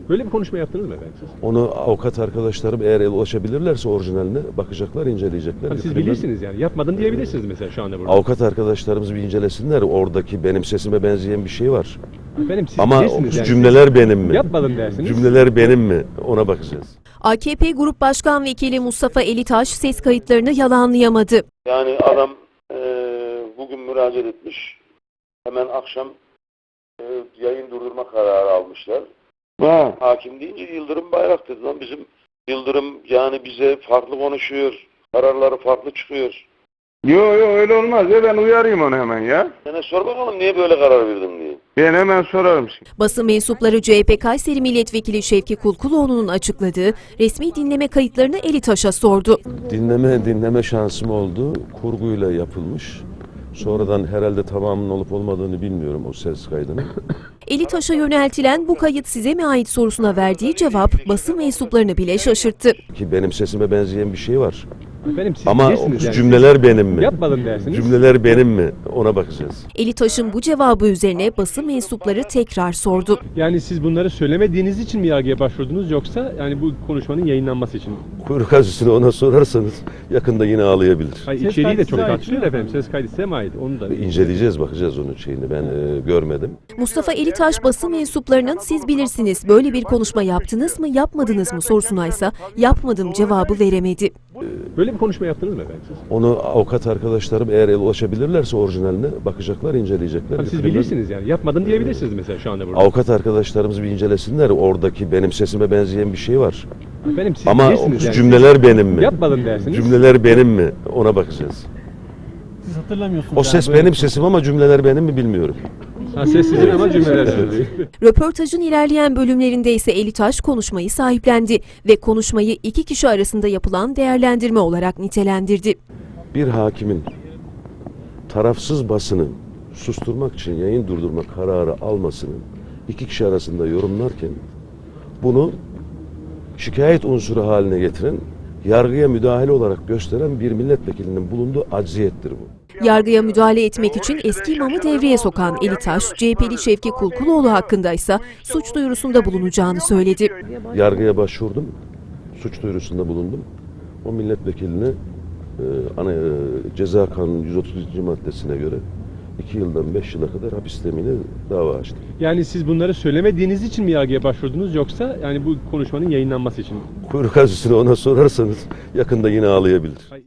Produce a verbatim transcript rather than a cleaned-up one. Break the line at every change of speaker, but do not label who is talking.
Böyle bir konuşma yaptınız mı efendim siz?
Onu avukat arkadaşlarım eğer ulaşabilirlerse orijinaline bakacaklar, inceleyecekler.
Tabii siz
Kriminal-
bilirsiniz yani. Yapmadın diyebilirsiniz mesela şu anda burada.
Avukat arkadaşlarımız bir incelesinler. Oradaki benim sesime benzeyen bir şey var.
Efendim siz
Ama
bilirsiniz yani.
cümleler benim mi?
Yapmadın dersiniz.
Cümleler benim mi? Ona bakacağız.
A K P Grup Başkan Vekili Mustafa Elitaş ses kayıtlarını yalanlayamadı.
Yani adam e, bugün müracaat etmiş. Hemen akşam e, yayın durdurma kararı almışlar.
Ha.
Hakim deyince Yıldırım Bayraktar lan bizim Yıldırım yani bize farklı konuşuyor. Kararları farklı çıkıyor.
Yo yo öyle olmaz ya, ben uyarayım onu hemen ya.
Sana sor bakalım niye böyle karar verdin diye.
Ben hemen sorarım şimdi.
Basın mensupları C H P Kayseri Milletvekili Şevki Kulkuloğlu'nun açıkladığı resmi dinleme kayıtlarını Elitaş'a sordu.
Dinleme dinleme şansım oldu. Kurguyla yapılmış. Sonradan herhalde tamamının olup olmadığını bilmiyorum o ses kaydının.
Elitaş'a yöneltilen bu kayıt size mi ait sorusuna verdiği cevap basın mensuplarını bile şaşırttı.
Ki benim sesime benzeyen bir şey var.
Efendim siz
Ama
bilirsiniz yani.
cümleler benim mi?
Yapmadın dersiniz.
Cümleler benim mi? Ona bakacağız.
Elitaş'ın bu cevabı üzerine basın mensupları tekrar sordu.
Yani siz bunları söylemediğiniz için mi yargıya başvurdunuz yoksa yani bu konuşmanın yayınlanması için mi?
Kuyruk acısını ona sorarsanız yakında yine ağlayabilir.
Hayır,
Ses
içeriği de
kaydı
çok
size ait
tartışılıyor
değil mi?
efendim. Ses kaydı size mi ait? Onu da
İnceleyeceğiz, bakacağız onun şeyini. Ben e, görmedim.
Mustafa Elitaş basın mensuplarının siz bilirsiniz böyle bir konuşma yaptınız mı yapmadınız mı sorusuna ise yapmadım cevabı veremedi.
Böyle bir konuşma yaptınız mı efendim siz?
Onu avukat arkadaşlarım eğer ulaşabilirlerse orijinaline bakacaklar, inceleyecekler.
Tabii siz
Kriminal-
bilirsiniz yani. Yapmadın diyebilirsiniz mesela şu anda burada.
Avukat arkadaşlarımız bir incelesinler. Oradaki benim sesime benzeyen bir şey var.
Efendim siz
Ama
bilirsiniz yani.
cümleler benim mi?
Yapmadın dersiniz.
Cümleler benim mi? Ona bakacağız.
Siz hatırlamıyorsunuz.
O ses
yani böyle-
benim sesim ama cümleler benim mi bilmiyorum.
Ha, ses sizin ama cümleler söylüyor.
Röportajın ilerleyen bölümlerinde ise Elitaş konuşmayı sahiplendi ve konuşmayı iki kişi arasında yapılan değerlendirme olarak nitelendirdi.
Bir hakimin tarafsız basını susturmak için yayın durdurma kararı almasını iki kişi arasında yorumlarken bunu şikayet unsuru haline getiren, yargıya müdahale olarak gösteren bir milletvekilinin bulunduğu acziyettir bu.
Yargıya müdahale etmek için eski imamı devreye sokan Elitaş, C H P'li Şevki Kulkuloğlu hakkında ise suç duyurusunda bulunacağını söyledi.
Yargıya başvurdum, suç duyurusunda bulundum. O milletvekiline e, ana, e, Ceza Kanunu yüz otuz ikinci maddesine göre iki yıldan beş yıla kadar hapis temini dava açtım.
Yani siz bunları söylemediğiniz için mi yargıya başvurdunuz yoksa yani bu konuşmanın yayınlanması için mi?
Kuyruk acısını ona sorarsanız yakında yine ağlayabilir.